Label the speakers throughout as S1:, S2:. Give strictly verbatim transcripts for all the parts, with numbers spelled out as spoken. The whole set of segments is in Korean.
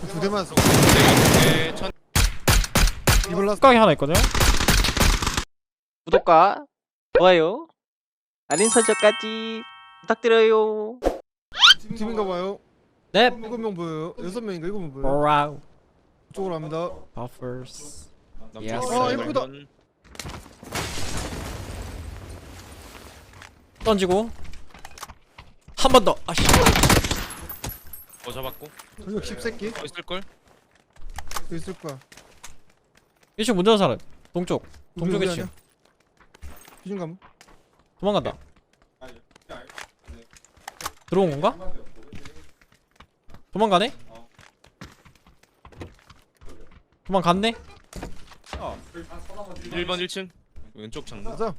S1: 두 대만 쏘.
S2: 네, 천.
S1: 이블라스.
S3: 뚜껑이 하나 있거든요.
S4: 구독과 좋아요, 알림 설정까지 부탁드려요.
S1: 팀인가 봐요.
S3: 네.
S1: 일곱 명 보여요. 여섯 명인가 일곱 명 보여요.
S3: 와우.
S1: 이쪽으로 갑니다.
S3: 버퍼스.
S2: 남쪽
S1: 아,
S2: 있어요,
S1: 예쁘다.
S2: 이건.
S3: 던지고 한 번 더. 아씨.
S2: 어 잡았고.
S1: 저녁 십새끼
S2: 어 있을 걸.
S1: 여기 있을 거야.
S3: 이쪽 문 닫은 사람. 동쪽. 동쪽에 치.
S1: 기준 감.
S3: 도망간다. 들어온 건가? 도망가네? 도망갔네?
S2: 일 번 일 층 왼쪽 창문.
S1: 가자.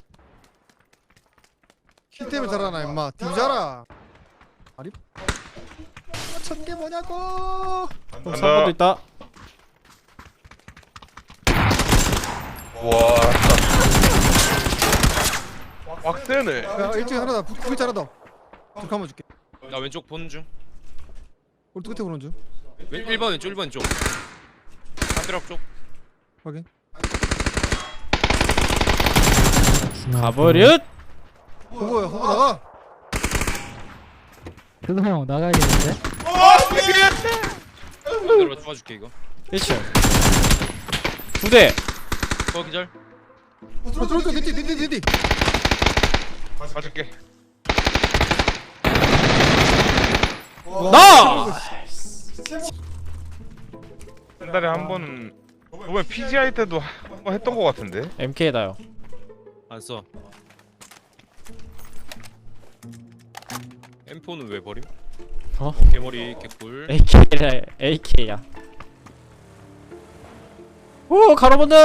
S1: 키템을 잘하나 임마. 뒤자라. 아리. 천개 뭐냐고.
S3: 삼 번도 있다.
S5: 와, 빡세네.
S1: 야 일찍 하나 더. 구이 하나 더. 좀 감아줄게.
S2: 나 왼쪽 보는 중.
S1: 우리 끝에 보는 중.
S2: 왼 일 번 왼쪽 일 번 왼쪽. 담벼락 쪽.
S1: 확인.
S3: 가버렸!
S1: 호보야 호보 나가.
S6: 그거 형 나가야겠는데?
S2: 내가 도와줄게 이거.
S3: 일 층 두 대!
S2: 어 기절.
S1: 들어 들어 들어 뒤뒤 뒤뒤 뒤.
S5: 가줄게.
S3: 나!
S5: 한 달에 한 번은 저번에 피지아이 때도 한 번 했던 거 같은데.
S3: 엠케이다요.
S2: 안 써. 엠포는 왜 버림?
S3: 어?
S2: 어, 개머리 개꿀.
S3: 에이케이야. 에이케이야. 오! 가로본능!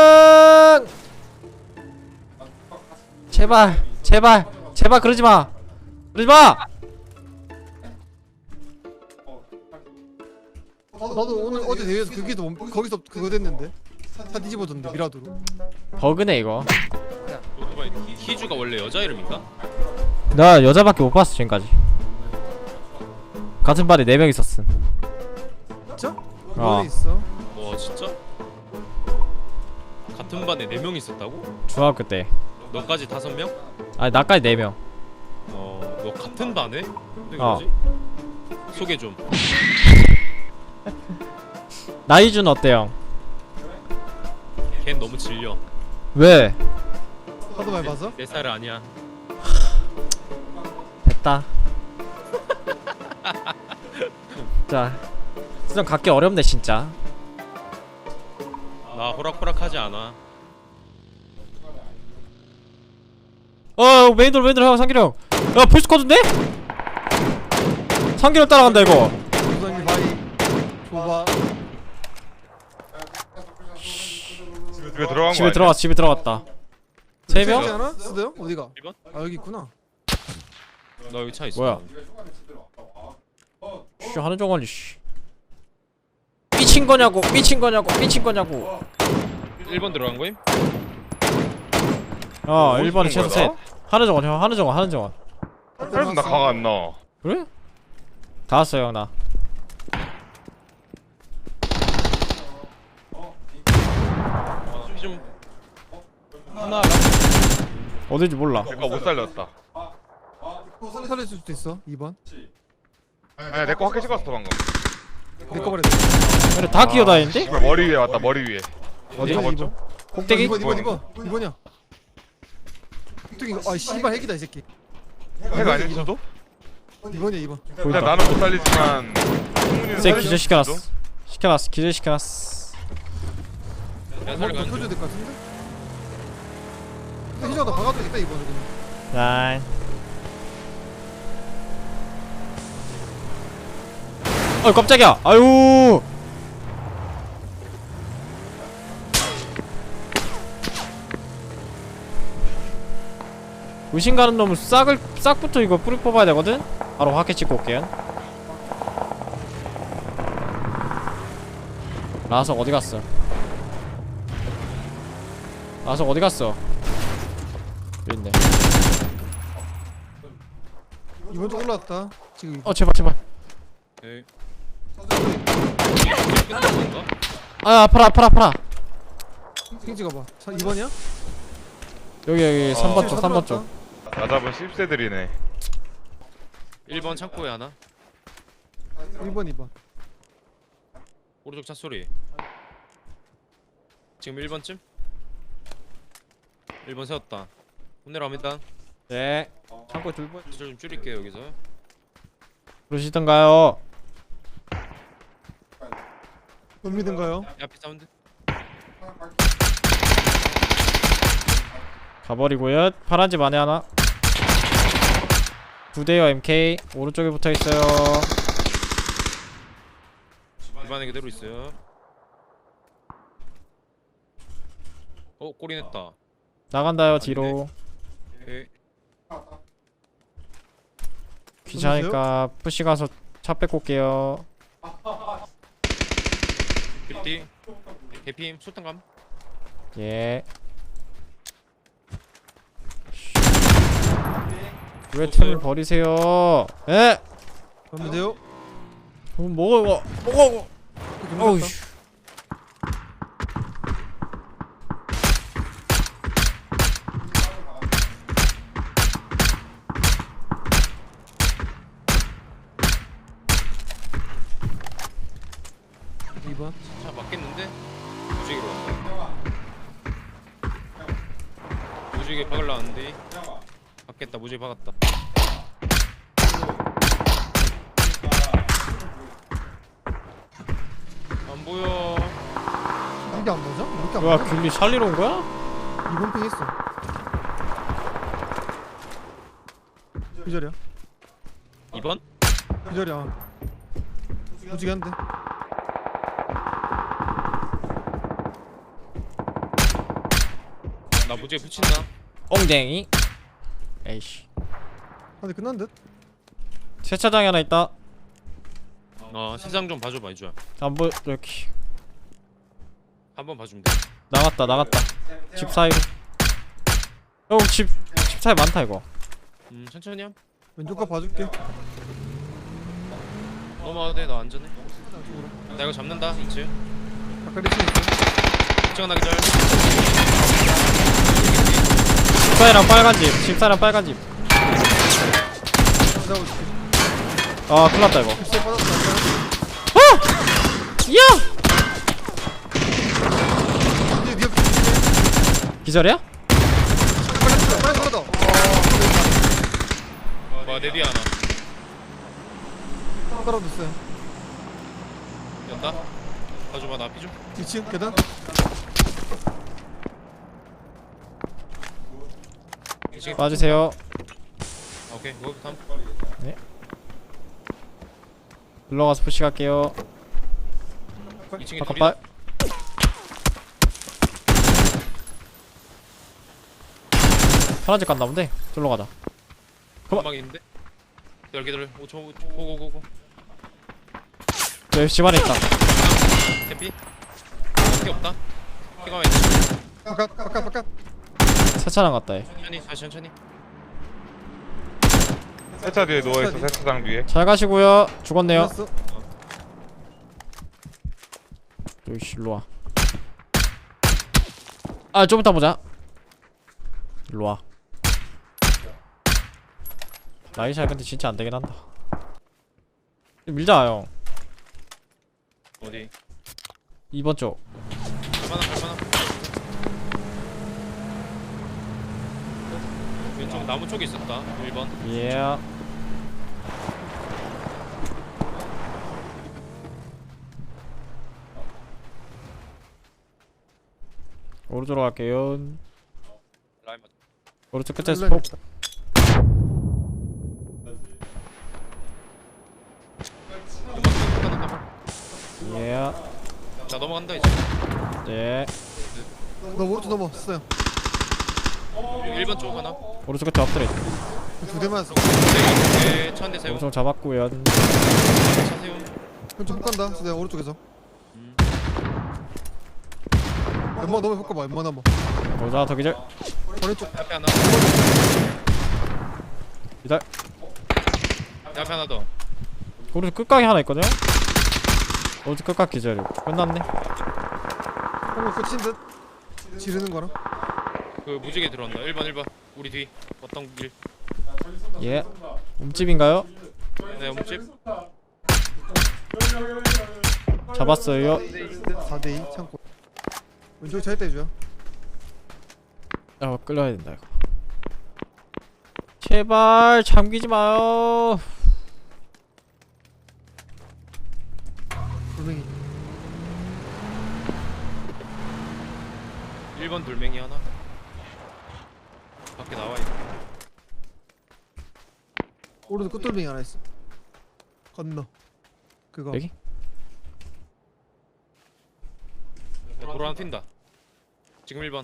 S3: 제발! 제발! 제발 그러지마! 그러지마!
S1: 나도 오늘 어제 대회에서 거기서 멈- 거기서 그거 됐는데. 다 뒤집어졌는데 미라도로.
S3: 버그네 이거.
S2: 오토바이 희주가 원래 여자 이름인가?
S3: 나 여자밖에 못 봤어 지금까지. 같은 반에 네 명 있었음.
S1: 진짜?
S3: 어.
S1: 어디 있어?
S2: 와 진짜? 같은 반에 네 명 있었다고?
S3: 중학교 때.
S2: 너까지 다섯 명?
S3: 아니 나까지 네 명.
S2: 어, 너 같은 반에? 근데
S3: 어.
S2: 뭐지? 소개 좀.
S3: 나이준 어때요?
S2: 걘 너무 질려.
S3: 왜?
S1: 하도 많이 봐서?
S2: 내 스타일 아니야.
S3: 됐다. 자, 수정 갖기 어렵네 진짜.
S2: 나 호락호락하지 않아.
S3: 어 메인돌 메인돌 형 상기령. 야 풀스쿼드인데? 상기령 따라간다 이거.
S1: 부장님 바이. 줘봐.
S5: 집에 들어간 거
S3: 집에
S5: 아니야?
S3: 들어갔 집에 들어갔다. 세 명?
S1: 있지 않아? 쓰대요? 어디가?
S2: 일 번?
S1: 아 여기 있구나.
S2: 나 여기 차 있어.
S3: 뭐야? 씨 하는 종아리 씨. 미친 거냐고 미친 거냐고 미친 거냐고.
S2: 일 번 들어간 거임?
S3: 어
S5: 어디
S3: 일 번에
S5: 쓰는
S3: 최소
S5: 거야,
S3: 셋. 하는 정원 형 하는 정원 하는 정원.
S5: 그래서 나 강 안 나와.
S3: 그래? 다 왔어요 형 나.
S2: 피 좀. 하나.
S3: 어딘지 몰라.
S5: 내가 못 살렸다.
S1: 살릴 수도 있어. 이 번.
S5: 아니야, 내 거 확해 찍었어 방금.
S1: 내거 버려.
S3: 근데 다 기어다니는데?
S5: 씨발, 머리 위에 왔다, 머리 위에.
S3: 어디?
S5: 잡았죠?
S3: 꼭대기?
S1: 이 번 이 번 이 번 이 번이야. 아 씨발 핵이다 이 새끼.
S5: 해가 아닐 수도?
S1: 이 번이야 이 번.
S5: 그냥 나는 못 살리지만 충분히
S3: 쟤
S5: 살릴
S3: 기절
S5: 수도?
S3: 시켜놨어. 시켜놨어 기절 시켜놨어.
S2: 야,
S1: 머리
S2: 살려가.
S1: 덮여줘야 될 것 같은데? 근데 희정아 너 박아도 되겠다 이번에 그냥.
S3: 난. 어 깜짝이야. 아유. 의심 가는 놈은 싹을 싹부터 이거 뿌리 뽑아야 되거든. 바로 확해 찍고 올게요. 라석 어디 갔어? 라석 어디 갔어? 여기 있네.
S1: 이번 주 올라왔다. 지금
S3: 어 제발 제발.
S2: 에이.
S3: 아 아파라 아파라 아파라.
S1: 핑 찍어봐. 자, 이 번이야?
S3: 여기 여기 삼 번
S5: 어.
S3: 쪽 삼 번 쪽.
S5: 나 잡은 씹새들이네.
S2: 일 번 창고에 하나.
S1: 일 번, 이 번.
S2: 오른쪽 차 소리. 지금 일 번쯤? 일 번 세웠다. 혼내랍니다.
S3: 네. 창고 둘 번.
S2: 좀 줄일게요 여기서.
S3: 그러시던가요?
S1: 못 믿은가요?
S2: 앞에 사운드.
S3: 가버리고요. 파란 집 안에 하나. 두 대요 엠케이. 오른쪽에 붙어 있어요.
S2: 집안에 그대로 있어요. 어 꼬리 냈다.
S3: 나간다요 뒤로.
S2: 오케이.
S3: 귀찮으니까 푸시 가서 차 뺏고 올게요.
S2: 빅디. 개피임 소탕감.
S3: 예. 왜 템을 버리세요? 에?
S1: 가면 돼요?
S3: 그럼 먹어 이거. 먹어 이거. 어우. 씨.
S1: 이 번.
S2: 차 맞겠는데? 무지개로 왔다. 무지개 박을라는데. 박겠다. 무지개 박았다. 안 보여.
S1: 이게 안 맞아? 왜 이렇게 안
S3: 뭐야
S1: 맞아?
S3: 귤리 살리러 온 거야?
S1: 이 번 핑 했어. 기절이야.
S2: 이 번?
S1: 기절이야. 무지개 한대.
S2: 나 무지개 붙인다.
S3: 엉댕이. 에이씨.
S1: 한대 끝난 듯?
S3: 세차장에 하나 있다.
S2: 어 세상 좀 봐줘봐 이주야.
S3: 안 보여. 여기
S2: 한번 봐주면 돼.
S3: 나갔다 나갔다. 집 사이로. 어집집 사이 많다 이거.
S2: 음 천천히 함.
S1: 왼쪽 거 봐줄게.
S2: 넘어와도 돼. 나 안전해. 나 이거 잡는다. 이 층.
S1: 아까 리치 있어.
S2: 이 층 하나 기절.
S3: 집 사이랑 빨간 집. 집 사이랑 빨간 집.
S1: 내가 볼게.
S3: 아 큰일났다 이거.
S1: 립스에 빠졌다.
S3: 이야.
S1: 이제 니 옆에
S3: 기절이야?
S1: 빨리 빨리 들어가.
S2: 와내 뒤에 하나.
S1: 떨어졌어요.
S2: 연다. 봐줘봐 나 피줘.
S1: 이 층 계단.
S2: 이 층에
S3: 빠지세요.
S2: 아, 오케이 이거 다음.
S3: 눌러가서 푸시 갈게요.
S2: 이 층에
S3: 아까
S2: 둘이다.
S3: 빨. 파란색 갔나 본데. 둘러 가자.
S2: 금방 있는데. 열개들 오 초 고고고고.
S3: 여기 집 안에 있다.
S2: 대피. 피 없다. 피가 왜?
S1: 바깥 바깥 바깥.
S3: 세차장 갔다 해.
S2: 천천히 다시 천천히.
S5: 세차 뒤에 누워있어. 세차장 뒤에.
S3: 잘 가시고요. 죽었네요.
S1: 끝났어.
S3: 여기 일로 와. 아, 좀 이따 보자. 일로 와. 나이샤 근데 진짜 안 되긴 한다. 밀자 형.
S2: 어디?
S3: 이 번 쪽.
S2: 얼마나 얼마나? 왼쪽 나무 쪽에 있었다. 일 번.
S3: 예. 오른쪽으로 갈게요.
S2: 라인 맞.
S3: 오른쪽 끝에
S1: 라인
S3: 스포. 예.
S2: 나 넘어간다 이제.
S3: 예.
S1: 너 오른쪽 넘어왔어요.
S2: 일 번 쪽 하나.
S3: 오른쪽 끝에 엎드려.
S1: 두 대만 했어.
S2: 네, 차한대 세우.
S3: 오른쪽 잡았고요.
S2: 차 세우.
S1: 왼쪽 못 간다. 내가 오른쪽에서.
S2: 음.
S1: 왼마 넘어 볼까 봐. 왼마 넘어.
S3: 보자 더 기절.
S1: 오른쪽.
S2: 앞에 하나.
S3: 기절.
S2: 앞에 하나 더.
S3: 오른쪽 끝각에 하나 있거든요. 오른쪽 끝각 기절이고 끝났네.
S1: 한거 끝인 듯. 지르는 거랑.
S2: 그 무지개 들어온다. 일 번 일 번. 우리 뒤. 어떤 길?
S3: 예. 움집인가요?
S2: 네, 몸집.
S3: 잡았어요.
S1: 사 대 이 창고. 왼쪽 차에 떼줘요.
S3: 아 끌려야 된다 이거. 제발 잠기지 마요.
S1: 돌멩이.
S2: 일 번 돌멩이 하나. 밖에 나와 있네.
S1: 오른쪽 끝돌멩이 하나 있어. 건너. 그거.
S3: 여기?
S2: 네, 도로 하나 튄다. 지금 일 번.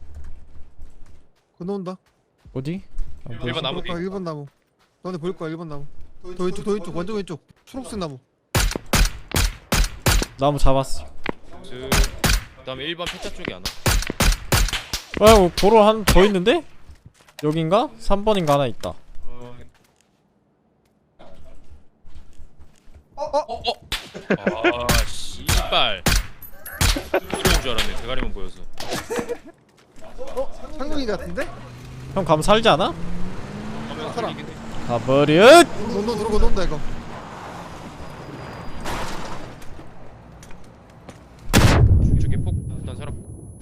S1: 건너온다.
S3: 어디? 아,
S2: 일 번 나무 뒤.
S1: 일 번 나무. 너네 보일 거야 일 번 나무. 더 왼쪽 더 왼쪽 완전 왼쪽. 초록색 나무.
S3: 나무 잡았어.
S2: 그 그다음에 일 번 폐차 쪽에 하나.
S3: 아 도로 한 더 있는데? 여긴가? 삼 번인가 하나 있다.
S2: 아 씨발. 이런 줄 알았네. 대가리만 보여서.
S1: 어? 상용이 같은데?
S3: 형 가면 살지 않아?
S2: 화면
S1: 살아.
S2: 살리긴 해.
S3: 가버릇!
S1: 너너 들어가 논다 이거.
S2: 저기 폭 일단 살았고.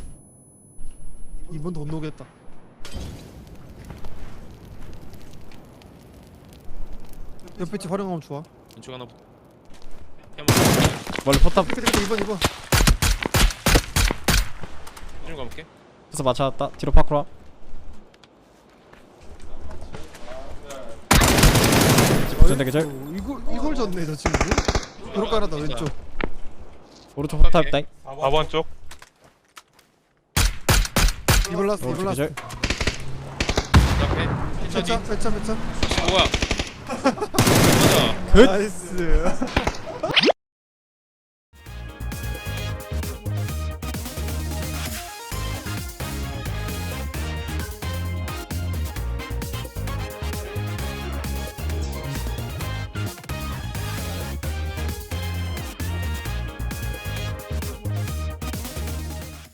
S1: 이번 더 놓겠다. 옆에 집 활용하면 좋아.
S2: 왼쪽 하나. 붙-
S3: 멀리 포탑
S1: 끝에 끝에 이번 이번.
S2: 좀 가볼게.
S3: 에서 맞춰놨다. 뒤로 파쿠라. 전대 계절.
S1: 어, 이걸 이걸 졌네 저 친구. 그렇게 하나 더 왼쪽.
S3: 오른쪽 포탑 있다.
S5: 사 번 쪽.
S1: 이걸 라스 이걸
S3: 오른쪽
S1: 라스.
S3: 계절.
S2: 그 앞에 폐차 뒤.
S1: 배차 배차 배차.
S2: 뭐야? 맞아.
S3: 끝!
S1: 나이스.